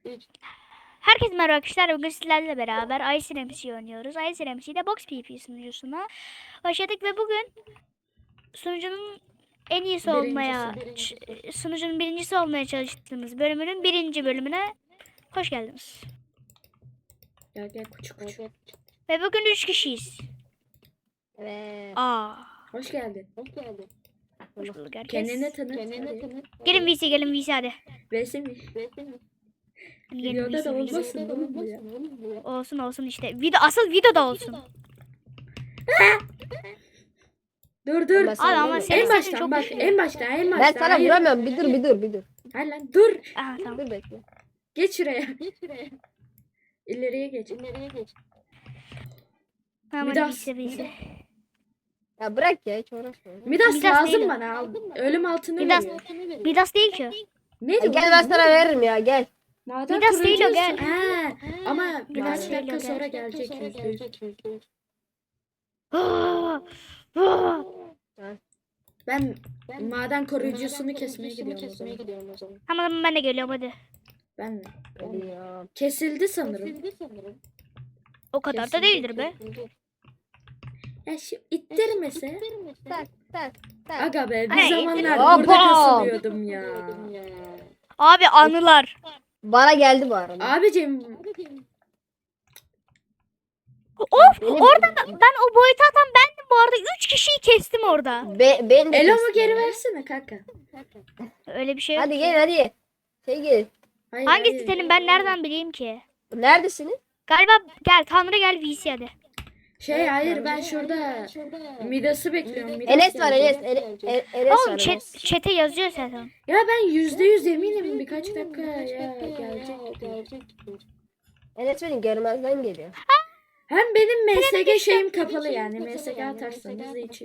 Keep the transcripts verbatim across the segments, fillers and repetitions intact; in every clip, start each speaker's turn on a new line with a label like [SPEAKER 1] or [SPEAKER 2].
[SPEAKER 1] Herkese merhaba arkadaşlar. Bugün sizlerle beraber Ice M C oynuyoruz. Ice M C'de Box P V P sunucusuna başladık ve bugün sunucunun en iyisi olmaya, ç- sunucunun birincisi olmaya çalıştığımız bölümünün birinci bölümüne hoş geldiniz.
[SPEAKER 2] Gel gel küçük küçük.
[SPEAKER 1] Ve bugün üç kişiyiz.
[SPEAKER 3] Evet.
[SPEAKER 1] Aa.
[SPEAKER 2] Hoş geldin.
[SPEAKER 3] Hoş geldin.
[SPEAKER 1] Hoş bulduk herkes.
[SPEAKER 2] Kendini tanıt.
[SPEAKER 3] Kendine
[SPEAKER 2] hadi.
[SPEAKER 3] tanıt.
[SPEAKER 1] Gelin V C, gelin V C hadi.
[SPEAKER 2] Vesi mi?
[SPEAKER 1] Hadi gelin
[SPEAKER 2] Videoda
[SPEAKER 1] V C,
[SPEAKER 2] da
[SPEAKER 1] V C.
[SPEAKER 2] olmasın oğlum bu ya.
[SPEAKER 1] Olsun olsun işte. Video, asıl videoda olsun.
[SPEAKER 2] Dur dur.
[SPEAKER 3] Olmaz.
[SPEAKER 1] Abi ama
[SPEAKER 3] En
[SPEAKER 1] senin
[SPEAKER 2] En
[SPEAKER 1] sesin
[SPEAKER 2] baştan
[SPEAKER 1] çok
[SPEAKER 2] bak.
[SPEAKER 1] düşük.
[SPEAKER 2] En baştan en baştan.
[SPEAKER 3] Ben sana
[SPEAKER 2] Hayır.
[SPEAKER 3] vuramıyorum. Bir dur bir dur bir dur.
[SPEAKER 2] Hayır lan dur.
[SPEAKER 1] Aha tamam.
[SPEAKER 3] Dur bekle.
[SPEAKER 2] Geç şuraya. İleriye geç.
[SPEAKER 1] Tamam hadi
[SPEAKER 2] Midas.
[SPEAKER 1] V C, V C.
[SPEAKER 3] Ya bırak ya hiç uğraşma.
[SPEAKER 2] Midas,
[SPEAKER 1] Midas
[SPEAKER 2] lazım
[SPEAKER 1] değil o.
[SPEAKER 2] bana. Al. Ölüm altını
[SPEAKER 1] Midas.
[SPEAKER 2] veriyor.
[SPEAKER 1] Midas değil ki o.
[SPEAKER 2] Ne
[SPEAKER 3] Ya
[SPEAKER 2] diyor?
[SPEAKER 3] gel ben sana veririm ya gel.
[SPEAKER 2] Maden
[SPEAKER 1] Midas değil o,
[SPEAKER 2] kurucusu.
[SPEAKER 1] gel.
[SPEAKER 2] He. Ama
[SPEAKER 1] Midas
[SPEAKER 2] birkaç
[SPEAKER 1] değil o,
[SPEAKER 2] dakika
[SPEAKER 1] gel.
[SPEAKER 2] sonra gelecek yüzde yüz.
[SPEAKER 1] Ah, ah.
[SPEAKER 2] Ben maden koruyucusunu kesmeye gidiyorum o zaman.
[SPEAKER 1] Tamam ben de geliyorum hadi.
[SPEAKER 2] Ben mi?
[SPEAKER 3] Hadi ya.
[SPEAKER 2] Kesildi sanırım.
[SPEAKER 1] O kadar da
[SPEAKER 2] Kesin
[SPEAKER 1] değildir be.
[SPEAKER 2] Ya şu ittirmese.
[SPEAKER 3] Tak tak tak.
[SPEAKER 2] Aga be bir
[SPEAKER 1] Ay,
[SPEAKER 2] zamanlar
[SPEAKER 3] Hoppa!
[SPEAKER 2] burada kasılıyordum ya.
[SPEAKER 1] Abi anılar.
[SPEAKER 3] Bana geldi bu arada.
[SPEAKER 2] Abicim
[SPEAKER 1] Of
[SPEAKER 3] Benim-
[SPEAKER 1] orada da- ben o boyutu atan bendim bu arada. Üç kişiyi kestim orada.
[SPEAKER 3] Be, ben de
[SPEAKER 2] Elo'mu
[SPEAKER 3] kestim
[SPEAKER 2] geri
[SPEAKER 3] ya.
[SPEAKER 2] versene kanka.
[SPEAKER 1] Öyle bir şey yok.
[SPEAKER 3] Hadi gel hadi. Şey gel.
[SPEAKER 2] Hayır,
[SPEAKER 1] Hangisi
[SPEAKER 2] hayır.
[SPEAKER 1] senin ben nereden bileyim ki?
[SPEAKER 3] Neredesiniz?
[SPEAKER 1] Galiba gel Tanrı gel V C hadi.
[SPEAKER 2] Şey hayır ben şurada Midas'ı bekliyorum. Midas
[SPEAKER 3] Enes var
[SPEAKER 2] gelecek.
[SPEAKER 3] Enes. Enes, Enes, Enes
[SPEAKER 1] Oğlum
[SPEAKER 3] var
[SPEAKER 1] chat,
[SPEAKER 3] Enes.
[SPEAKER 1] chat'e yazıyor zaten.
[SPEAKER 2] Ya ben yüzde yüz eminim birkaç dakika ya gelecek.
[SPEAKER 3] Enes beni görmezden geliyor.
[SPEAKER 2] Hem benim M S G şeyim kapalı yani. M S G atarsanız hiç.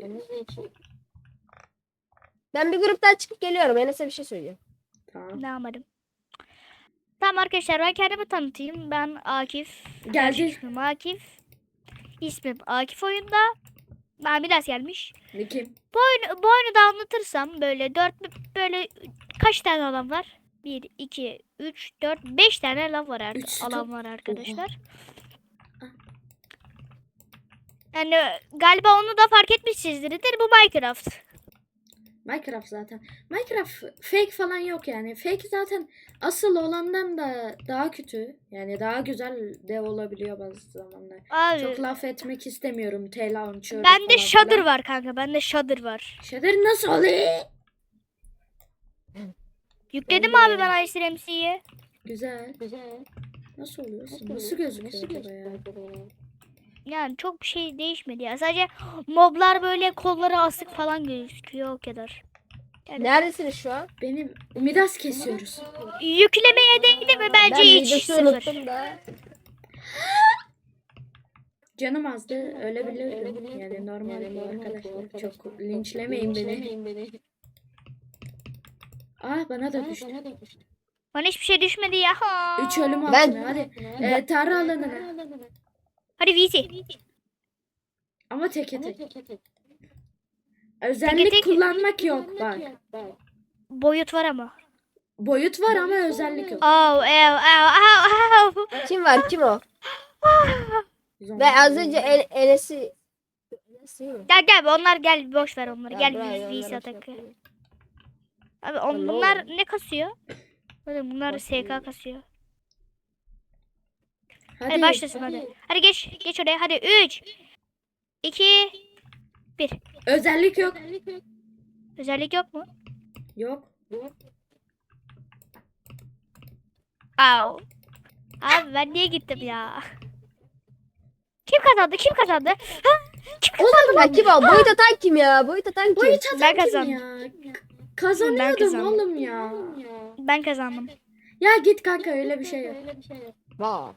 [SPEAKER 3] Ben bir gruptan çıkıp geliyorum. Enes'e bir şey söyleyeceğim.
[SPEAKER 2] Tamam.
[SPEAKER 1] Ne yapmadım. Tamam arkadaşlar ben kendimi tanıtayım. Ben Akif.
[SPEAKER 2] Geldi.
[SPEAKER 1] İsmim Akif. İsmim Akif oyunda. Ben biraz gelmiş.
[SPEAKER 2] Ne kim?
[SPEAKER 1] Bu oyunu, bu oyunu da anlatırsam böyle dört böyle kaç tane alan var? bir, iki, üç, dört, beş tane alan var, ar-
[SPEAKER 2] Üç
[SPEAKER 1] alan
[SPEAKER 2] stop.
[SPEAKER 1] var arkadaşlar.
[SPEAKER 2] Ah.
[SPEAKER 1] Yani galiba onu da fark etmişsinizdir. Bu Minecraft.
[SPEAKER 2] Minecraft zaten. Minecraft fake falan yok yani. Fake zaten asıl olandan da daha kötü. Yani daha güzel de olabiliyor bazı zamanlar.
[SPEAKER 1] Abi
[SPEAKER 2] Çok laf etmek istemiyorum. T-Launcher
[SPEAKER 1] bende
[SPEAKER 2] falan
[SPEAKER 1] Shader
[SPEAKER 2] filan.
[SPEAKER 1] var kanka. Bende Shader var.
[SPEAKER 2] Shader nasıl oluyor?
[SPEAKER 1] Yükledim
[SPEAKER 2] Ben de-
[SPEAKER 1] abi ben Ice M C'yi.
[SPEAKER 2] Güzel. Nasıl oluyor? Nasıl gözüküyor acaba ya?
[SPEAKER 1] Yani çok bir şey değişmedi ya. Sadece moblar böyle kolları asık falan gözüküyor o kadar.
[SPEAKER 3] Neredesiniz şu an?
[SPEAKER 2] Benim Midas kesiyoruz.
[SPEAKER 1] Yüklemeye değdi mi bence
[SPEAKER 3] Ben
[SPEAKER 1] hiç
[SPEAKER 3] videosu
[SPEAKER 1] sıfır.
[SPEAKER 3] unuttum da.
[SPEAKER 2] Canım azdı. Ölebilirdim. Yani normal bu arkadaşlar. Çok linçlemeyin beni. Aa bana da düştü.
[SPEAKER 1] Bana hiçbir şey düşmedi ya. Ha.
[SPEAKER 2] Üç ölüm
[SPEAKER 3] Ben-
[SPEAKER 2] altına. Hadi. Ee, tarih alanına.
[SPEAKER 1] Hadi V C.
[SPEAKER 2] Ama teke tek. Özellik
[SPEAKER 1] tek-
[SPEAKER 2] kullanmak yok bak.
[SPEAKER 1] Boyut var ama.
[SPEAKER 2] Boyut var ama özellik yok.
[SPEAKER 1] Oh, ev, ev, ev, ev.
[SPEAKER 3] Kim var kim o?
[SPEAKER 2] Zombi.
[SPEAKER 3] Ve az önce El, Enes'i... Enes'i mi?
[SPEAKER 1] Gel gel onlar gel boş ver onları.
[SPEAKER 3] Ya
[SPEAKER 1] Gel
[SPEAKER 3] bırak,
[SPEAKER 1] V
[SPEAKER 3] onları
[SPEAKER 1] C
[SPEAKER 3] şey
[SPEAKER 1] atakı.
[SPEAKER 3] yapayım.
[SPEAKER 1] Abi on,
[SPEAKER 3] Ya ne
[SPEAKER 1] bunlar
[SPEAKER 3] oluyor?
[SPEAKER 1] ne kasıyor? Hadi bunlar S K kasıyor. Hadi,
[SPEAKER 2] Hadi,
[SPEAKER 1] başlasın hadi. Hadi geç geç oraya. Hadi üç iki bir.
[SPEAKER 2] Özellik yok.
[SPEAKER 1] Özellik yok mu?
[SPEAKER 2] Yok.
[SPEAKER 1] Au. Abi ben niye gittim ya? Kim kazandı? Kim kazandı? Ha? Kim kazandı?
[SPEAKER 3] Ya kim o? Boyut atan kim ya? Boyut atan kim?
[SPEAKER 2] Boyut atan
[SPEAKER 1] Ben
[SPEAKER 2] kim
[SPEAKER 1] kazandım.
[SPEAKER 2] ya? Kazanıyordum
[SPEAKER 1] kazandım.
[SPEAKER 2] oğlum ya.
[SPEAKER 1] Ben kazandım.
[SPEAKER 2] Ya git kanka öyle bir şey yok.
[SPEAKER 3] Vay.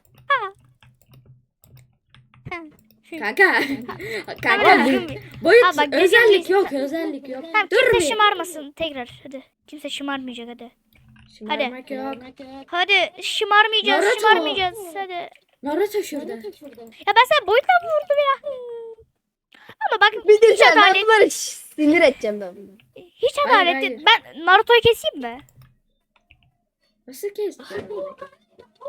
[SPEAKER 2] Kanka.
[SPEAKER 1] Tamam,
[SPEAKER 2] Kanka.
[SPEAKER 1] düzgün-
[SPEAKER 2] Boyut
[SPEAKER 1] Ha, bak, düzgün
[SPEAKER 2] özellik
[SPEAKER 1] bir-
[SPEAKER 2] yok özellik yok.
[SPEAKER 1] Tamam,
[SPEAKER 2] Dur
[SPEAKER 1] kimse
[SPEAKER 2] bir.
[SPEAKER 1] şımarmasın tekrar. Hadi. Kimse şımarmayacak hadi.
[SPEAKER 2] Şımarmak yok.
[SPEAKER 1] Hadi şımarmayacağız,
[SPEAKER 2] Naruto.
[SPEAKER 1] şımarmayacağız. Hadi.
[SPEAKER 2] Naruto şurada.
[SPEAKER 1] Ya ben sana boyutla mı vurdum ya? Ama bak
[SPEAKER 3] Bir de
[SPEAKER 1] hiç
[SPEAKER 3] sen ben
[SPEAKER 1] adalet,
[SPEAKER 3] bunları sinir edeceğim ben.
[SPEAKER 1] hiç
[SPEAKER 2] Hayır,
[SPEAKER 1] adalet
[SPEAKER 2] hayır.
[SPEAKER 1] değil. Ben Naruto'yu keseyim mi?
[SPEAKER 2] Nasıl kestin?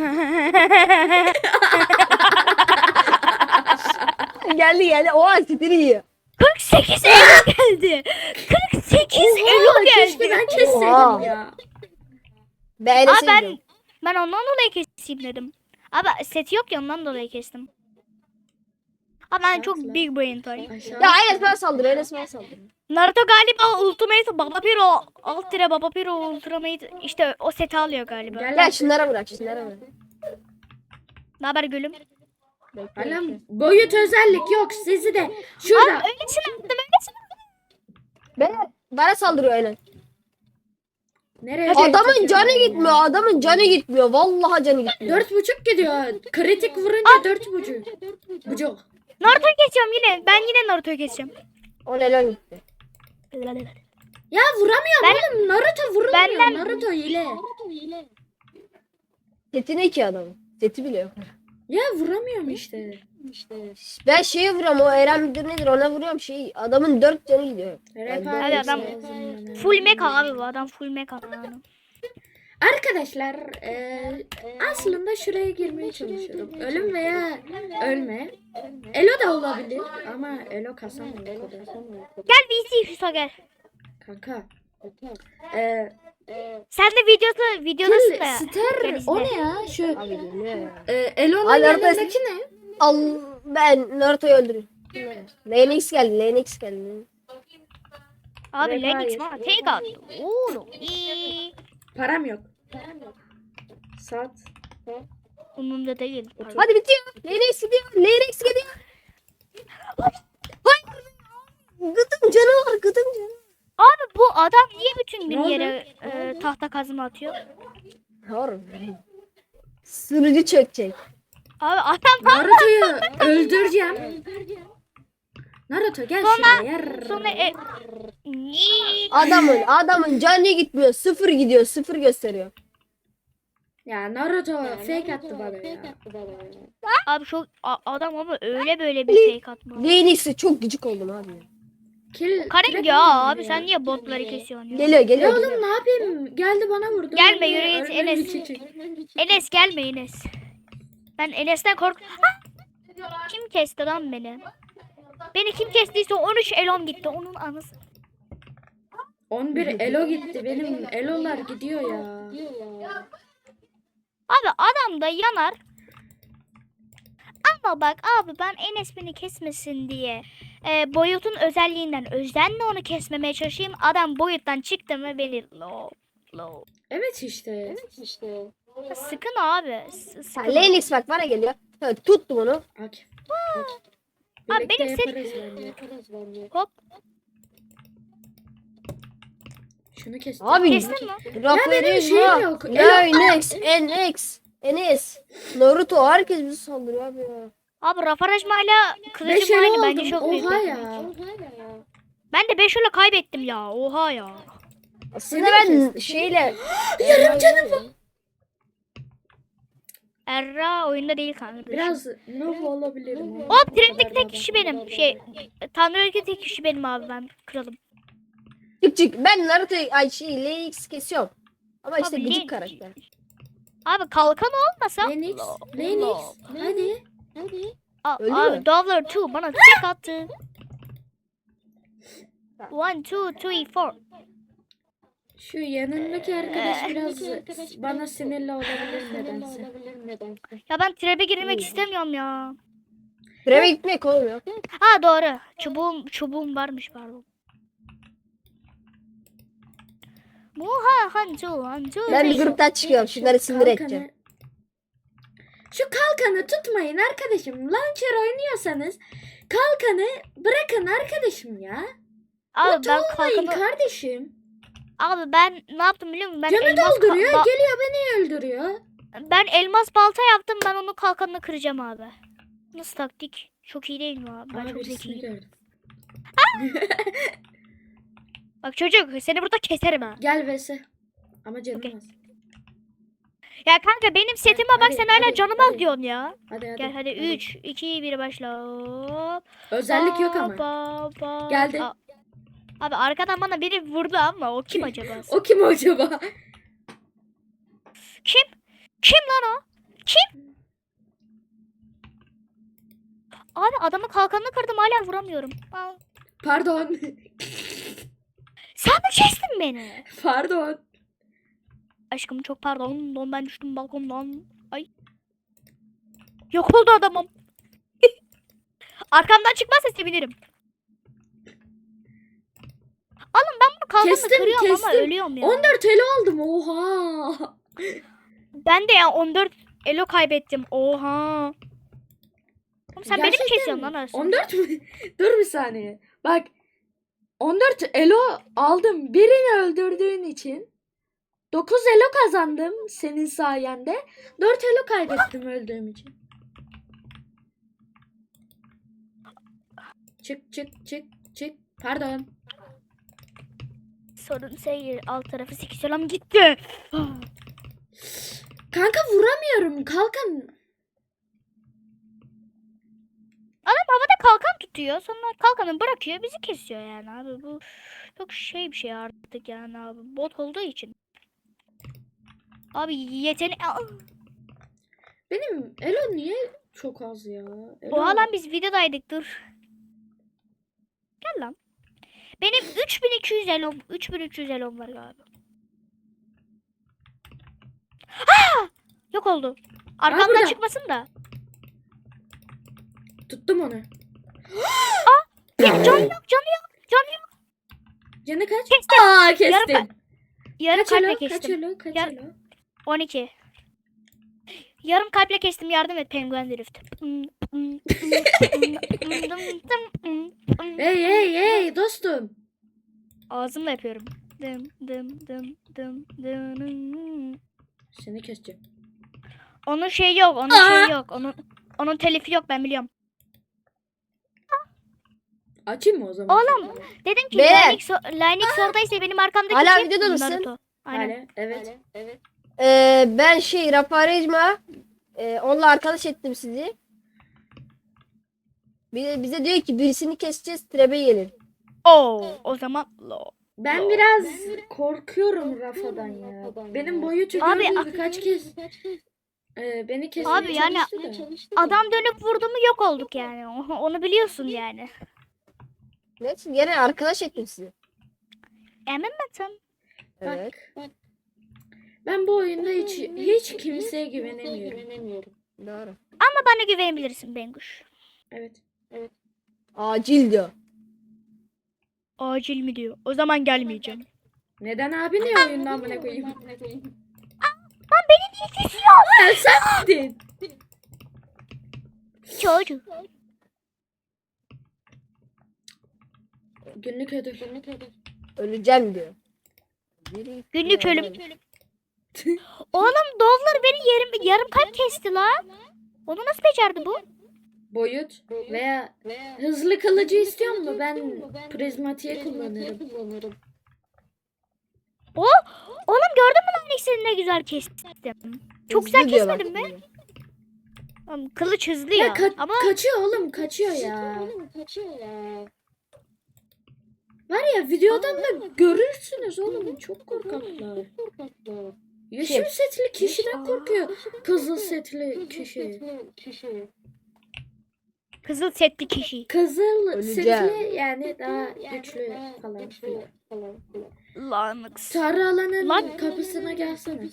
[SPEAKER 3] Geldi geldi. Oha sitiri yiyor.
[SPEAKER 1] kırk sekiz elo geldi. kırk sekiz elo
[SPEAKER 2] Oha, keşke
[SPEAKER 1] geldi.
[SPEAKER 2] ben kesseydim
[SPEAKER 3] Oha.
[SPEAKER 2] ya.
[SPEAKER 3] Ben
[SPEAKER 1] Aa,
[SPEAKER 3] Enes'i
[SPEAKER 1] ben
[SPEAKER 3] yiyorum.
[SPEAKER 1] ben ondan dolayı keseyim dedim. Abi seti yok ya ondan dolayı kestim. Ama ben çok
[SPEAKER 2] Şartla.
[SPEAKER 1] big brain toy.
[SPEAKER 2] Aşağı.
[SPEAKER 3] Ya Enes bana saldırıyor. Enes bana saldırıyor.
[SPEAKER 1] Naruto galiba Ultimate Baba Piro alt tire Baba Piro Ultimate işte o seti alıyor galiba.
[SPEAKER 2] Gel
[SPEAKER 3] Gel
[SPEAKER 2] lan.
[SPEAKER 3] şunlara bırak şunlara bırak.
[SPEAKER 1] Ne haber gülüm?
[SPEAKER 3] Bekle,
[SPEAKER 2] Alam
[SPEAKER 3] bekle.
[SPEAKER 2] boyut özellik yok sizi de. Şurada.
[SPEAKER 1] Öylesine attım öylesine.
[SPEAKER 3] Ben, bana saldırıyor Enes.
[SPEAKER 2] Nereye?
[SPEAKER 3] Adamın canı gitmiyor. Adamın canı gitmiyor. Vallahi canı gitmiyor.
[SPEAKER 2] Dört buçuk gidiyor. Kritik vurunca dört buçuk. Buçuk.
[SPEAKER 1] Naruto'yu geçiyorum yine. Ben yine Naruto'yu geçeceğim.
[SPEAKER 3] O neler gitti.
[SPEAKER 2] Ya vuramıyorum
[SPEAKER 1] Ben-
[SPEAKER 2] oğlum. Naruto vurulmuyor.
[SPEAKER 1] Benden-
[SPEAKER 2] Naruto ile.
[SPEAKER 3] Seti ne ki adamın? Seti bile yok.
[SPEAKER 2] Ya vuramıyorum işte.
[SPEAKER 3] Ben şeye vuruyorum. O Eren müdür nedir ona vuruyorum. Şey adamın dört canı gidiyor.
[SPEAKER 2] Rap
[SPEAKER 3] Hadi
[SPEAKER 2] ailesi
[SPEAKER 1] adam-
[SPEAKER 2] lazım bana.
[SPEAKER 1] Full mecha abi bu adam full mecha adam.
[SPEAKER 2] Arkadaşlar e, aslında şuraya girmeye çalışıyorum. Ölüm veya ölme. Elo da olabilir ama Elo kasamıyor o kadar.
[SPEAKER 1] Gel V C Hüso gel.
[SPEAKER 2] Kanka. E,
[SPEAKER 1] Sen de videosu videodasın da.
[SPEAKER 2] Kill Star o ne ya? Şu
[SPEAKER 3] Abi geliyor ya.
[SPEAKER 2] e, Elo'nun
[SPEAKER 3] Hala orada-
[SPEAKER 2] yanındaki ne?
[SPEAKER 3] Al ben Naruto'yu öldürüyorum. Lennox geldi. Lennox geldi.
[SPEAKER 1] Abi
[SPEAKER 3] Rap
[SPEAKER 1] Lennox
[SPEAKER 3] ailesi.
[SPEAKER 1] bana tek attı. Oğlum. İyi.
[SPEAKER 2] Param yok. Sat.
[SPEAKER 1] Umurumda değil.
[SPEAKER 3] Hadi bitiyor. Lennox gidiyor. Lennox gidiyor. Hayır. Gıdım canı var. Gıdım canı.
[SPEAKER 1] Abi bu adam niye bütün
[SPEAKER 2] Ne
[SPEAKER 1] gün
[SPEAKER 2] oldu?
[SPEAKER 1] yere e, tahta kazma atıyor?
[SPEAKER 3] Harbi. Sürücü çökecek.
[SPEAKER 1] Abi adam
[SPEAKER 2] Naruto'yu öldüreceğim. Naruto gel şuraya. Yar.
[SPEAKER 1] sonra e, Niye?
[SPEAKER 3] Adamın adamın canı gitmiyor. Sıfır gidiyor. Sıfır gösteriyor.
[SPEAKER 2] Ya Naruto fake attı bana ya.
[SPEAKER 1] Abi çok a- adam ama öyle böyle bir fake atma.
[SPEAKER 3] Lennox'e çok gıcık oldum abi.
[SPEAKER 2] Kill.
[SPEAKER 1] Karen
[SPEAKER 2] trap
[SPEAKER 1] ya
[SPEAKER 2] aldım
[SPEAKER 1] abi sen niye botları kesiyorsun ya?
[SPEAKER 3] Geliyor
[SPEAKER 2] Ya
[SPEAKER 3] geliyor.
[SPEAKER 2] oğlum
[SPEAKER 3] geliyor.
[SPEAKER 2] ne yapayım? Geldi bana vurdu.
[SPEAKER 1] Gelme,
[SPEAKER 2] Öldü,
[SPEAKER 1] yürü git,
[SPEAKER 2] öldü,
[SPEAKER 1] Enes.
[SPEAKER 2] çiçek.
[SPEAKER 1] Enes gelme Enes. Ben Enes'ten kork... Ah! Kim kesti lan beni? Beni kim kestiyse on üç elom gitti. Onun anısı.
[SPEAKER 2] on bir elo gitti. Benim elolar gidiyor ya.
[SPEAKER 1] Abi adam da yanar. Ama bak abi ben Enes beni kesmesin diye e, boyutun özelliğinden özenle onu kesmemeye çalışayım. Adam boyuttan çıktı mı beni low low.
[SPEAKER 2] Evet işte.
[SPEAKER 1] Sıkın abi. s-
[SPEAKER 3] Ha,
[SPEAKER 1] Sıkın.
[SPEAKER 3] Lennox bak bana geliyor. Evet, tuttum onu.
[SPEAKER 2] Akif.
[SPEAKER 1] Abi
[SPEAKER 2] Birlikte
[SPEAKER 1] benim set-
[SPEAKER 2] yaparız bence.
[SPEAKER 1] Hop.
[SPEAKER 2] Şunu kestim.
[SPEAKER 3] Abi
[SPEAKER 1] Kestin mi?
[SPEAKER 3] Rafael
[SPEAKER 2] şeyim yok.
[SPEAKER 3] Lennox, N X, Enes, Naruto herkes bizi saldırıyor abi ya.
[SPEAKER 1] Abi Rafarajma'yla
[SPEAKER 2] Beş
[SPEAKER 1] kılıcım
[SPEAKER 2] elo
[SPEAKER 1] aynı bence
[SPEAKER 2] oldum.
[SPEAKER 1] çok büyük.
[SPEAKER 2] Oha
[SPEAKER 1] bir-
[SPEAKER 2] ya.
[SPEAKER 1] Ben de beş ile kaybettim ya. Oha ya.
[SPEAKER 3] Aslında
[SPEAKER 2] Seni
[SPEAKER 3] ben
[SPEAKER 2] kestim.
[SPEAKER 3] şeyle
[SPEAKER 2] Yarım canım var.
[SPEAKER 1] Erra oyunda değil kanka.
[SPEAKER 2] Biraz noob olabilirim. ama
[SPEAKER 1] Hop
[SPEAKER 2] o
[SPEAKER 1] trendeki
[SPEAKER 2] kadar
[SPEAKER 1] tek
[SPEAKER 2] da
[SPEAKER 1] kişi
[SPEAKER 2] değil.
[SPEAKER 1] benim. Şey Tanrı'daki tek kişi benim abi ben kralım.
[SPEAKER 3] çık çık. Ben Naruto ay şey Lennox kesiyorum. Ama işte
[SPEAKER 1] Abi,
[SPEAKER 3] gıcık
[SPEAKER 1] Len-
[SPEAKER 3] karakter.
[SPEAKER 1] Abi kalkan olmasa.
[SPEAKER 2] Lennox. Lennox. Hadi.
[SPEAKER 1] A-
[SPEAKER 3] Öldü
[SPEAKER 1] abi
[SPEAKER 3] mü?
[SPEAKER 1] Dovler iki bana tek attı. one, two, three, four.
[SPEAKER 2] Şu yanındaki arkadaş biraz bana sinirli olabilir nedense.
[SPEAKER 1] Ya ben trebe girmek istemiyorum ya.
[SPEAKER 3] Treve gitmek olmuyor.
[SPEAKER 1] Ha doğru. Çubuğum, çubuğum varmış pardon. Muha hancu hancu.
[SPEAKER 3] Ben bir gruptan çıkıyorum. Şunları sinir
[SPEAKER 2] Kalkanı-
[SPEAKER 3] edeceğim.
[SPEAKER 2] Şu kalkanı tutmayın arkadaşım. Launcher oynuyorsanız kalkanı bırakın arkadaşım ya.
[SPEAKER 1] Abi
[SPEAKER 2] Bot
[SPEAKER 1] ben
[SPEAKER 2] olmayın
[SPEAKER 1] kalkanı...
[SPEAKER 2] kardeşim.
[SPEAKER 1] Abi ben ne yaptım biliyor musun? Ben
[SPEAKER 2] Canı
[SPEAKER 1] elmas, ka-
[SPEAKER 2] dolduruyor
[SPEAKER 1] ba-
[SPEAKER 2] geliyor beni öldürüyor.
[SPEAKER 1] ben elmas balta yaptım. Ben onun kalkanını kıracağım abi. Nasıl taktik? Çok iyi değil mi abi? Ben
[SPEAKER 2] Aa,
[SPEAKER 1] çok
[SPEAKER 2] birisini
[SPEAKER 1] zekiyim.
[SPEAKER 2] gördüm.
[SPEAKER 1] Bak çocuk seni burada keserim ha.
[SPEAKER 2] Gel Vese. Ama canım
[SPEAKER 1] Okey.
[SPEAKER 2] az.
[SPEAKER 1] Ya kanka benim setime bak
[SPEAKER 2] hadi,
[SPEAKER 1] sen hala
[SPEAKER 2] hadi,
[SPEAKER 1] canım
[SPEAKER 2] hadi.
[SPEAKER 1] az diyorsun ya.
[SPEAKER 2] Hadi hadi.
[SPEAKER 1] Gel hadi üç, iki, bir başla. Hop.
[SPEAKER 2] Özellik yok ama.
[SPEAKER 1] Ba, ba.
[SPEAKER 2] Geldi.
[SPEAKER 1] Aa, abi arkadan bana biri vurdu ama o kim acaba?
[SPEAKER 2] O kim acaba?
[SPEAKER 1] Kim? Kim lan o? Abi adamın kalkanını kırdım hala vuramıyorum. Aa,
[SPEAKER 2] Pardon.
[SPEAKER 1] sen mi kestin beni?
[SPEAKER 2] Pardon.
[SPEAKER 1] Aşkım çok pardon. Don ben düştüm balkondan. Ay. Yok oldu adamım. Arkamdan çıkmazsa sevinirim. Oğlum ben bunu kalkanla
[SPEAKER 2] Kestim,
[SPEAKER 1] kırıyorum ama
[SPEAKER 2] kestim.
[SPEAKER 1] ölüyorum ya.
[SPEAKER 2] on dört elo aldım. Oha.
[SPEAKER 1] Ben de ya on dört elo kaybettim. Oha. Oğlum sen beni mi
[SPEAKER 2] Gerçekten
[SPEAKER 1] kesiyorsun
[SPEAKER 2] mi?
[SPEAKER 1] lan aslında?
[SPEAKER 2] on dört mü? Dur bir saniye. Bak. on dört elo aldım. Birini öldürdüğün için. dokuz elo kazandım senin sayende. dört elo kaybettim öldüğüm için. Çık çık çık çık. Pardon.
[SPEAKER 1] Sorun seyir. Alt tarafı sekiz elam gitti.
[SPEAKER 2] Kanka vuramıyorum. Kalkan.
[SPEAKER 1] Adam havada kalkan tutuyor. Sonra kalkanı bırakıyor. Bizi kesiyor yani abi. Bu çok şey bir şey artık yani abi. Bot olduğu için. Abi yetenek...
[SPEAKER 2] Benim elo niye çok az ya? Elo...
[SPEAKER 1] Oha lan biz videodaydık dur. Gel lan. Benim üç bin iki yüz elom. üç bin üç yüz elom var galiba. Aa! Yok oldu. Arkamdan
[SPEAKER 2] burada.
[SPEAKER 1] çıkmasın da.
[SPEAKER 2] Tuttum onu.
[SPEAKER 1] Ya, can yok can yok. Can yok.
[SPEAKER 2] Canı kaç?
[SPEAKER 1] Kestim.
[SPEAKER 2] Aa kestin.
[SPEAKER 1] Yarım, yarım
[SPEAKER 2] Kaç
[SPEAKER 1] kalple
[SPEAKER 2] elo? Kaç
[SPEAKER 1] kestim.
[SPEAKER 2] elo? Kaç
[SPEAKER 1] Yar-
[SPEAKER 2] elo?
[SPEAKER 1] on iki. Yarım kalple kestim yardım et penguen drift.
[SPEAKER 2] Hey hey hey dostum.
[SPEAKER 1] Ağzımla yapıyorum. Dım dım dım dım dım.
[SPEAKER 2] Seni keseceğim.
[SPEAKER 1] Onun şeyi yok, onun
[SPEAKER 2] Aa!
[SPEAKER 1] şeyi yok. Onun onun telifi yok ben biliyorum.
[SPEAKER 2] Açayım mı o zaman?
[SPEAKER 1] Oğlum, Dedim ki
[SPEAKER 3] Be!
[SPEAKER 1] Linux, Linux oradaysa benim arkamdaki
[SPEAKER 3] Hala
[SPEAKER 1] kim?
[SPEAKER 3] videoda mısın?
[SPEAKER 1] Naruto. Aynen.
[SPEAKER 2] Hala, evet.
[SPEAKER 3] Ee, ben şey Raparejma e, onunla arkadaş ettim sizi. Bize, bize diyor ki birisini keseceğiz trebe gelin.
[SPEAKER 1] Oo, o zaman lo.
[SPEAKER 2] Ben biraz korkuyorum Rafa'dan ya. Benim boyutu
[SPEAKER 1] Abi,
[SPEAKER 2] gördü
[SPEAKER 1] ah-
[SPEAKER 2] birkaç kez. Ee, beni kesmeye
[SPEAKER 1] Abi yani
[SPEAKER 2] çalıştı da.
[SPEAKER 1] adam dönüp vurdu mu yok olduk yani. O- Onu biliyorsun yani.
[SPEAKER 3] Neyse gene arkadaş ettim sizi.
[SPEAKER 1] Emin misin?
[SPEAKER 3] Evet.
[SPEAKER 2] Bak. Ben bu oyunda hiç hiç kimseye güvenemiyorum.
[SPEAKER 3] Doğru.
[SPEAKER 1] Ama bana güvenebilirsin Benguş.
[SPEAKER 2] Evet.
[SPEAKER 3] Acil diyor.
[SPEAKER 1] Acil mi diyor? O zaman gelmeyeceğim.
[SPEAKER 2] Neden abi niye oyundan amına koyayım?
[SPEAKER 1] Lan beni niye kesiyor?
[SPEAKER 2] Ya sen miydin?
[SPEAKER 1] Çocuk.
[SPEAKER 2] Günlük ödül.
[SPEAKER 3] Öleceğim diyor.
[SPEAKER 1] Günlük ölüm. Oğlum Dovlar beni yarım, yarım kalp kesti lan. Onu nasıl becerdi bu?
[SPEAKER 2] Boyut veya hızlı kılıcı istiyor mu? Ben prizmatiğe kullanırım.
[SPEAKER 1] O, oğlum gördün mü lan ikisini ne güzel kestim. Çok güzel
[SPEAKER 3] Hızlı diyor bak.
[SPEAKER 1] kesmedim mi? Oğlum, kılıç hızlı ya,
[SPEAKER 2] Ya ka-
[SPEAKER 1] ama
[SPEAKER 2] kaçıyor oğlum kaçıyor ya. Var ya videodan da görürsünüz oğlum çok korkaklar. Yeşil
[SPEAKER 3] Kim?
[SPEAKER 2] setli kişiden korkuyor. Kızıl setli kişi.
[SPEAKER 1] kızıl setli kişi.
[SPEAKER 2] Kızıl
[SPEAKER 3] Öleceğim.
[SPEAKER 2] setli yani daha güçlü falan filan.
[SPEAKER 1] Lanıks.
[SPEAKER 2] Sarı alanın
[SPEAKER 1] Lan-
[SPEAKER 2] kapısına gelsene.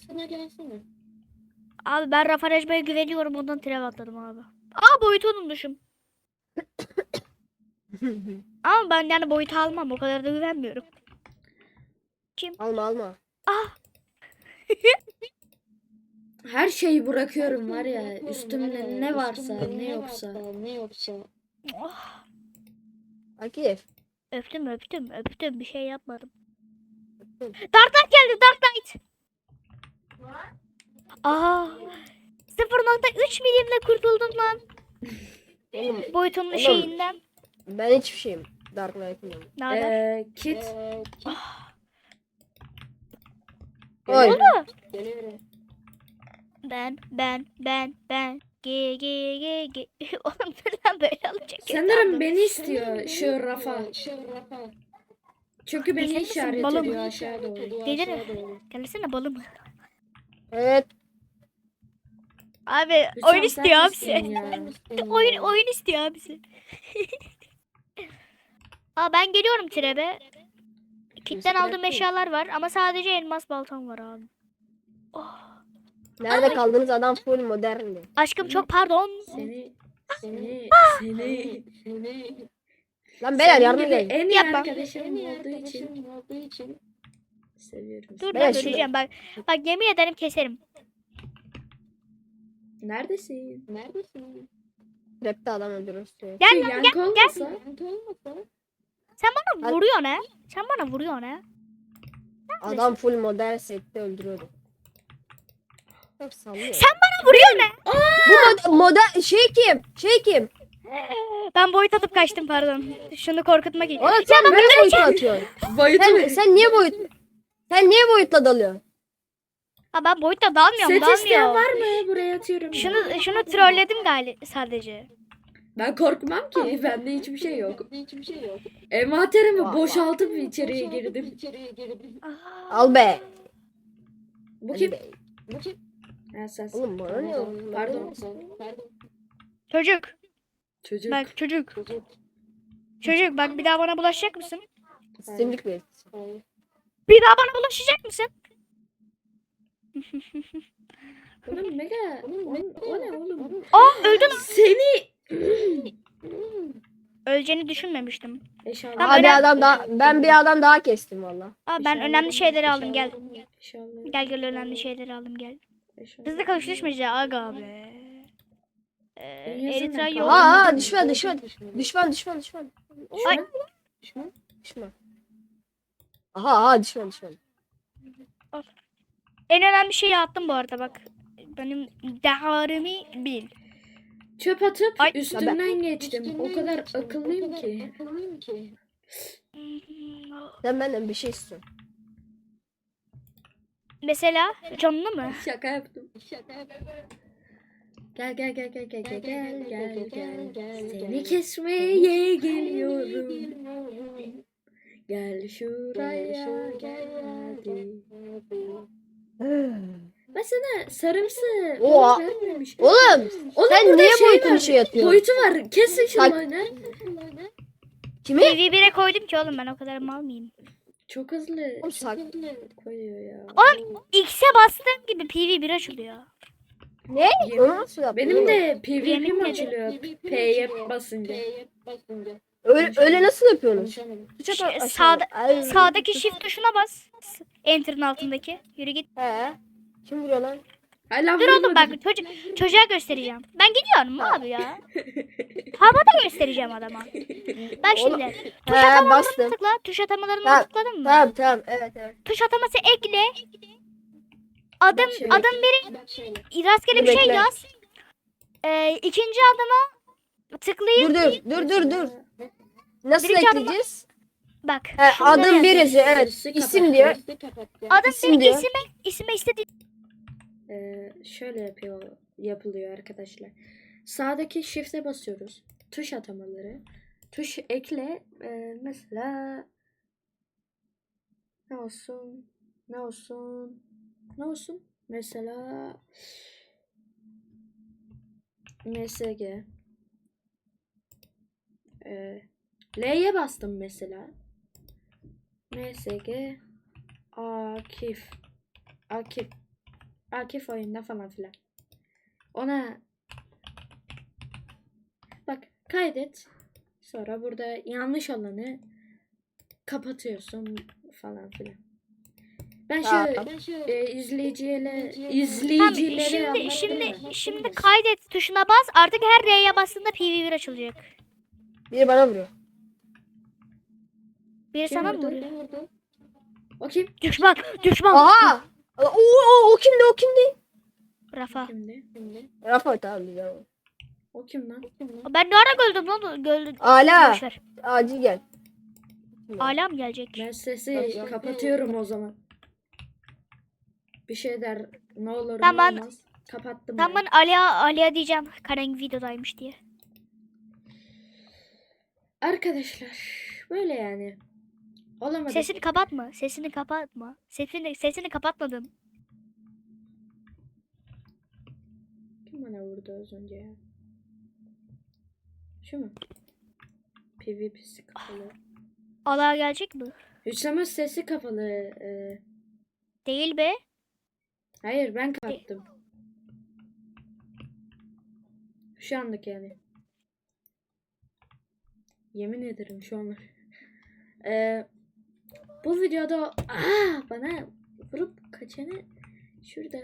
[SPEAKER 1] Abi ben Rafa Recba'ya güveniyorum ondan trev atladım abi. Aa boyutu unutmuşum. Ama ben yani boyutu almam o kadar da güvenmiyorum.
[SPEAKER 3] Alma alma.
[SPEAKER 1] Ah
[SPEAKER 2] Her şeyi bırakıyorum var ya üstümde ne varsa ne yoksa.
[SPEAKER 1] oh,
[SPEAKER 3] Akif.
[SPEAKER 1] öptüm öptüm öptüm bir şey yapmadım. Dark Knight geldi Dark Knight. Aa sıfır nokta üç milimle kurtuldum lan.
[SPEAKER 3] Oğlum,
[SPEAKER 1] Boyutunun
[SPEAKER 3] Oğlum.
[SPEAKER 1] şeyinden.
[SPEAKER 3] ben hiçbir şeyim. Dark Knight'ım.
[SPEAKER 1] Ne haber?
[SPEAKER 2] Ee, kit.
[SPEAKER 3] Oy.
[SPEAKER 1] Ben ben ben ben ge ge ge ge. Oğlum dur lan böyle alacak.
[SPEAKER 2] Sanırım beni istiyor şu Rafa. Çünkü beni
[SPEAKER 1] Gelir misin
[SPEAKER 2] işaret
[SPEAKER 1] balım?
[SPEAKER 2] ediyor aşağı doğru.
[SPEAKER 1] Gelir. Gelsene balım.
[SPEAKER 3] Evet.
[SPEAKER 1] Abi
[SPEAKER 2] Hüsam,
[SPEAKER 1] oyun
[SPEAKER 2] sen
[SPEAKER 1] istiyor
[SPEAKER 2] misin
[SPEAKER 1] abisi.
[SPEAKER 2] ya?
[SPEAKER 1] Oyun oyun istiyor abisi. Aa ben geliyorum trebe. Kitten aldığım eşyalar var ama sadece elmas baltam var abi. Oh.
[SPEAKER 3] Nerede kaldınız, adam full moderndi.
[SPEAKER 1] Aşkım çok pardon.
[SPEAKER 2] Seni seni seni
[SPEAKER 3] Lan beyler
[SPEAKER 2] senin
[SPEAKER 3] yardıma
[SPEAKER 2] gibi
[SPEAKER 3] gelin.
[SPEAKER 2] en iyi
[SPEAKER 1] Yapma.
[SPEAKER 2] arkadaşım olduğu için seviyorum.
[SPEAKER 1] Dur
[SPEAKER 3] Beyler
[SPEAKER 1] lan
[SPEAKER 3] şurada-
[SPEAKER 1] öleceğim bak. Bak yemin ederim keserim.
[SPEAKER 2] Neredesin?
[SPEAKER 3] Rapte adam öldürürsün.
[SPEAKER 1] Gel
[SPEAKER 2] Şu
[SPEAKER 1] lan
[SPEAKER 2] yankı
[SPEAKER 1] gel.
[SPEAKER 2] olmasa
[SPEAKER 1] Sen bana
[SPEAKER 3] Hadi.
[SPEAKER 1] vuruyorsun ha. Sen bana vuruyorsun ha.
[SPEAKER 3] Adam full modern sette öldürüyordu. Çok sallıyor.
[SPEAKER 1] Sen bana vuruyorsun ha.
[SPEAKER 3] Bu mod modern şey kim? Şey kim?
[SPEAKER 1] Ben boyut atıp kaçtım pardon. Şunu korkutmak için.
[SPEAKER 3] Oğlum sen niye boyutla atıyorsun?
[SPEAKER 2] boyutu
[SPEAKER 3] Sen, sen niye boyut? Sen niye boyutla dalıyorsun?
[SPEAKER 1] Ha ben boyutla dalmıyorum
[SPEAKER 2] set isteyen
[SPEAKER 1] dalmıyor.
[SPEAKER 2] var mı? Buraya atıyorum.
[SPEAKER 1] Şunu şunu trolledim galiba sadece.
[SPEAKER 2] Ben korkmam ki. Bende hiçbir şey yok. Envanterimi boşaltıp içeriye girdim.
[SPEAKER 3] Al be.
[SPEAKER 2] Bu
[SPEAKER 3] Hadi
[SPEAKER 2] kim?
[SPEAKER 3] be.
[SPEAKER 2] Ha, sen.
[SPEAKER 3] Oğlum bana ne
[SPEAKER 2] Pardon.
[SPEAKER 3] oldu?
[SPEAKER 2] Pardon.
[SPEAKER 1] Çocuk.
[SPEAKER 2] Çocuk.
[SPEAKER 1] Bak çocuk. Çocuk bak bir daha bana bulaşacak mısın?
[SPEAKER 3] Simlik bir.
[SPEAKER 1] Bir daha bana bulaşacak mısın?
[SPEAKER 2] Oğlum mega. Oğlum, o ne oğlum?
[SPEAKER 1] Aa öldün.
[SPEAKER 2] Seni.
[SPEAKER 1] Öleceğini düşünmemiştim.
[SPEAKER 2] Eşyalar.
[SPEAKER 1] Tamam,
[SPEAKER 3] Abi
[SPEAKER 1] önemli-
[SPEAKER 3] adam daha ben bir adam daha kestim valla.
[SPEAKER 1] Aa ben önemli şeyleri aldım gel.
[SPEAKER 2] Eşyalar.
[SPEAKER 1] Gel gel önemli şeyleri aldım gel.
[SPEAKER 2] Eşyalar.
[SPEAKER 1] Hızlı kavuşuşmaca aga be. Ee, Eritrea
[SPEAKER 2] yüzünden
[SPEAKER 1] yok.
[SPEAKER 3] Aa, aa düşman düşman. Düşman düşman düşman.
[SPEAKER 1] Ay.
[SPEAKER 3] Düşman. Düşman. Aha aha düşman düşman.
[SPEAKER 1] En önemli şeyi attım bu arada bak. Benim deharimi bil.
[SPEAKER 2] Çöp atıp
[SPEAKER 1] Ay.
[SPEAKER 2] üstünden geçtim. O kadar akıllıyım ki.
[SPEAKER 3] Sen benden bir şey istiyorsun.
[SPEAKER 1] Mesela canlı mı?
[SPEAKER 2] Şaka yaptım. Gel gel gel gel gel gel gel gel gel. Seni kesmeye geliyorum. Gel şuraya gel hadi. Ben sana sarımsı
[SPEAKER 3] Oha.
[SPEAKER 2] boyut vermemiş.
[SPEAKER 3] Oğlum
[SPEAKER 2] Onun
[SPEAKER 3] sen
[SPEAKER 2] burada
[SPEAKER 3] niye
[SPEAKER 2] şey
[SPEAKER 3] boyutunu
[SPEAKER 2] var,
[SPEAKER 3] şey atıyorsun?
[SPEAKER 2] Boyutu var. Kesin şu
[SPEAKER 3] Bak.
[SPEAKER 2] oyunu.
[SPEAKER 3] Kimi?
[SPEAKER 1] P V bir'e koydum ki oğlum ben o kadar mal mıyım?
[SPEAKER 2] Çok hızlı
[SPEAKER 3] Oğlum sak.
[SPEAKER 2] koyuyor ya.
[SPEAKER 1] Oğlum X'e bastığım gibi P V bir açılıyor.
[SPEAKER 3] Ne?
[SPEAKER 2] Yemin-
[SPEAKER 3] Onu nasıl yaptın?
[SPEAKER 2] Benim de
[SPEAKER 1] Yemin
[SPEAKER 2] PvP'm
[SPEAKER 1] ederim.
[SPEAKER 2] açılıyor. P'ye basınca.
[SPEAKER 3] Öyle, öyle nasıl yapıyorsunuz? Tuşa
[SPEAKER 1] Şey,
[SPEAKER 3] bak aşağıda.
[SPEAKER 1] sağda-
[SPEAKER 3] Ay.
[SPEAKER 1] Sağdaki shift tuşuna bas. Enter'ın altındaki. Yürü git.
[SPEAKER 3] He. Kim vuruyor lan?
[SPEAKER 2] Hala
[SPEAKER 1] Dur oğlum
[SPEAKER 2] vurmadım.
[SPEAKER 1] bak çocuk, çocuğa göstereceğim. Ben gidiyorum abi ya. Havada göstereceğim adama. Bak
[SPEAKER 3] Oğlum,
[SPEAKER 1] şimdi. Tuş
[SPEAKER 3] He
[SPEAKER 1] atamalarına
[SPEAKER 3] bastım.
[SPEAKER 1] tıkla. Tuş atamalarına
[SPEAKER 3] Tamam,
[SPEAKER 1] tıkladın mı?
[SPEAKER 3] Tamam tamam evet evet.
[SPEAKER 1] Tuş ataması ekle. Adım
[SPEAKER 2] Bak şöyle.
[SPEAKER 1] adım biri rastgele
[SPEAKER 3] Dur,
[SPEAKER 1] bir şey
[SPEAKER 3] bekle.
[SPEAKER 1] yaz. Ee, ikinci adıma tıklayıp
[SPEAKER 3] Dur dur dur dur dur. Nasıl
[SPEAKER 1] Birinci adıma-
[SPEAKER 3] ekleyeceğiz?
[SPEAKER 1] bak.
[SPEAKER 3] He,
[SPEAKER 1] şurada
[SPEAKER 3] adım
[SPEAKER 1] yaz.
[SPEAKER 3] bir yazıyor evet.
[SPEAKER 2] Birisi
[SPEAKER 3] İsim
[SPEAKER 2] kapattı.
[SPEAKER 3] diyor.
[SPEAKER 1] Adım
[SPEAKER 3] isim
[SPEAKER 1] bir
[SPEAKER 3] diyor.
[SPEAKER 1] isime isime istediğin
[SPEAKER 2] Ee, şöyle yapıyor yapılıyor arkadaşlar. Sağdaki shift'e basıyoruz. Tuş atamaları. Tuş ekle. Ee, mesela ne olsun? Ne olsun? Ne olsun? Mesela M S G. Ee, L'ye bastım mesela. M S G Akif. Akif. Akif oyunda falan filan. Ona bak kaydet. Sonra burada yanlış olanı kapatıyorsun falan filan. Ben şu
[SPEAKER 3] Tamam.
[SPEAKER 2] e, izleyiciyle
[SPEAKER 1] Tamam,
[SPEAKER 2] izleyicilere
[SPEAKER 1] şimdi
[SPEAKER 2] anlatayım
[SPEAKER 1] şimdi
[SPEAKER 2] mı?
[SPEAKER 1] şimdi kaydet tuşuna bas. Artık her R'ye bastığında P V bir açılacak.
[SPEAKER 3] Biri bana vuruyor.
[SPEAKER 1] Biri
[SPEAKER 2] Kim
[SPEAKER 1] sana mı
[SPEAKER 2] vurdu?
[SPEAKER 1] vuruyor?
[SPEAKER 2] O kim?
[SPEAKER 1] Düşman, düşman.
[SPEAKER 3] Aha! O, o, o kimdi o kimdi?
[SPEAKER 1] Rafa.
[SPEAKER 2] Kimdi?
[SPEAKER 3] Rafa tamam güzel.
[SPEAKER 2] O kim lan?
[SPEAKER 1] Ben ne ara gördüm lan? Gördüm.
[SPEAKER 3] Ala.
[SPEAKER 1] Boş ver.
[SPEAKER 3] Acil gel.
[SPEAKER 1] Ala mı gelecek?
[SPEAKER 2] Ben sesi kapatıyorum o zaman. Bir şey der ne olur
[SPEAKER 1] Tamam.
[SPEAKER 2] ne olmaz. Kapattım
[SPEAKER 1] Tamam
[SPEAKER 2] ben.
[SPEAKER 1] ben Ali'ye Ali'ye diyeceğim. Karen videodaymış diye.
[SPEAKER 2] Arkadaşlar böyle yani. Olamadı.
[SPEAKER 1] Sesini kapatma. Sesini kapatma. Sesini sesini kapatmadım.
[SPEAKER 2] Kim vurdu az önce ya? Şu mu? PvP'si kapalı.
[SPEAKER 1] Alağa gelecek mi?
[SPEAKER 2] Hüsam'ın sesi kapalı. Ee,
[SPEAKER 1] Değil be.
[SPEAKER 2] hayır ben kapattım. Şu anlık yani. Yemin ederim şu anlık. Ee, bu videoda aa, bana vurup kaçanı şurada.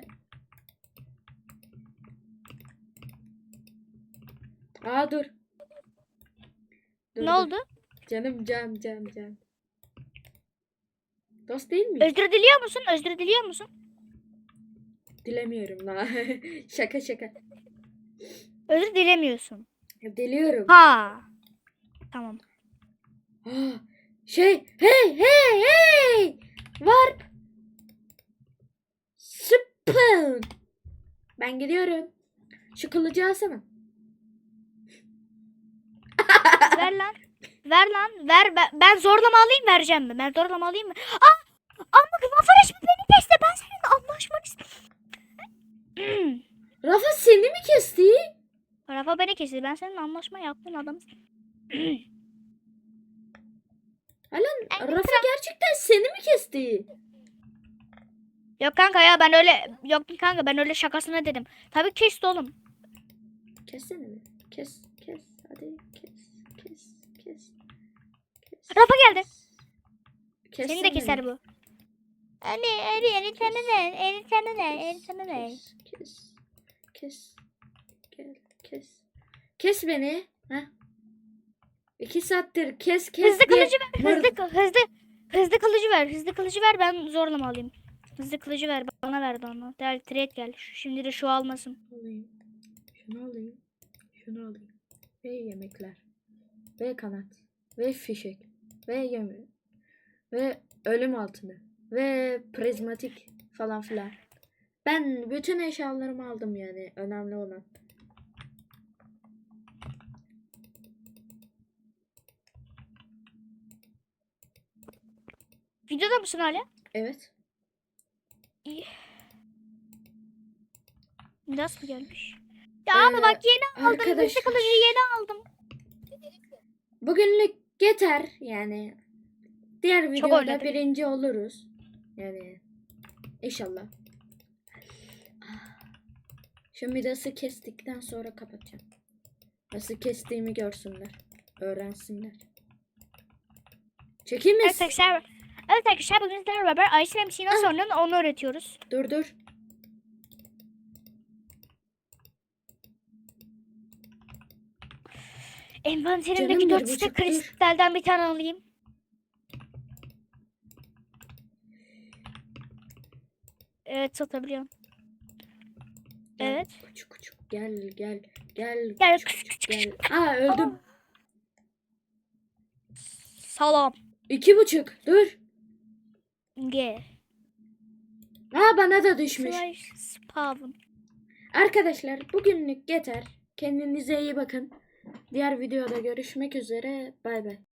[SPEAKER 2] Aa dur. Dur,
[SPEAKER 1] Ne
[SPEAKER 2] dur.
[SPEAKER 1] oldu?
[SPEAKER 2] Canım can can can. Dost değil mi?
[SPEAKER 1] Özür diliyor musun? Özür diliyor musun?
[SPEAKER 2] Dilemiyorum la. Şaka şaka.
[SPEAKER 1] Özür dilemiyorsun.
[SPEAKER 2] Diliyorum.
[SPEAKER 1] Ha. Tamam.
[SPEAKER 2] Aa, şey hey hey hey. Var. Spoon. Ben gidiyorum. Şu kılıcı alsana.
[SPEAKER 1] Ver lan. Ver lan. Ver. Ben, ben zorlama alayım, vereceğim mi? Ben zorlama alayım mı? Aa! Ama Rafa resmi beni kesti. Ben seninle anlaşmak istiyorum.
[SPEAKER 2] Rafa seni mi kesti?
[SPEAKER 1] Rafa beni kesti. Ben seninle anlaşma yaptım adam.
[SPEAKER 2] Alan Rafa gerçekten seni mi kesti?
[SPEAKER 1] Yok kanka ya, ben öyle yok kanka ben öyle şakasına dedim. Tabii kesti oğlum.
[SPEAKER 2] Kessene mi? Kes kes hadi kes kes kes. kes.
[SPEAKER 1] Rafa geldi. Seni
[SPEAKER 2] Kessene
[SPEAKER 1] de keser
[SPEAKER 2] mi?
[SPEAKER 1] bu. Anne, anne, eni sana ne? Eni sana ne? Eni sana ne?
[SPEAKER 2] Kes kes kes gel kes. Kes beni. Ha? İki saattir kes kes
[SPEAKER 1] Hızlı
[SPEAKER 2] diye
[SPEAKER 1] kılıcı ver.
[SPEAKER 2] mır-
[SPEAKER 1] Hızlı kı- hızlı hızlı kılıcı ver. Hızlı kılıcı ver, ben zorlama alayım. Hızlı kılıcı ver, bana ver onu. Gel trade gel. Şu- Şimdi de şu almasın.
[SPEAKER 2] alayım. Şunu alayım. Şunu alayım. Ve yemekler. Ve kanat. Ve fişek. Ve yeme. Ve ölüm altını. Ve prizmatik falan filan. Ben bütün eşyalarımı aldım yani. Önemli olan.
[SPEAKER 1] Videoda mısın hala?
[SPEAKER 2] Evet.
[SPEAKER 1] İyi. Nasıl gelmiş? Ya ama
[SPEAKER 2] Ee,
[SPEAKER 1] bak yeni aldım. Hızlı
[SPEAKER 2] arkadaşlar.
[SPEAKER 1] kılıcı yeni aldım.
[SPEAKER 2] Bugünlük yeter yani. Diğer
[SPEAKER 1] Çok
[SPEAKER 2] videoda
[SPEAKER 1] oynadık.
[SPEAKER 2] birinci oluruz. Yani inşallah. Şu midası kestikten sonra kapatacağım. Nasıl kestiğimi görsünler. Öğrensinler. Çekeyim mi?
[SPEAKER 1] Evet arkadaşlar. Evet arkadaşlar, bugün sizlerle beraber Ice M C'yi nasıl oynanır onu öğretiyoruz.
[SPEAKER 2] Dur dur.
[SPEAKER 1] Envanterimdeki
[SPEAKER 2] Canım,
[SPEAKER 1] dört
[SPEAKER 2] bir
[SPEAKER 1] stek
[SPEAKER 2] buçuk, dur.
[SPEAKER 1] kristalden bir tane alayım. Evet, satabiliyorum.
[SPEAKER 2] Gel,
[SPEAKER 1] Evet.
[SPEAKER 2] Küçük küçük gel gel gel.
[SPEAKER 1] Gel,
[SPEAKER 2] küçük
[SPEAKER 1] küçük,
[SPEAKER 2] küçük
[SPEAKER 1] küçük,
[SPEAKER 2] gel. Aa öldüm.
[SPEAKER 1] Salam.
[SPEAKER 2] İki buçuk. Dur.
[SPEAKER 1] G.
[SPEAKER 2] Aa bana da düşmüş.
[SPEAKER 1] Slash spawn.
[SPEAKER 2] Arkadaşlar bugünlük yeter. Kendinize iyi bakın. Diğer videoda görüşmek üzere. Bay bay.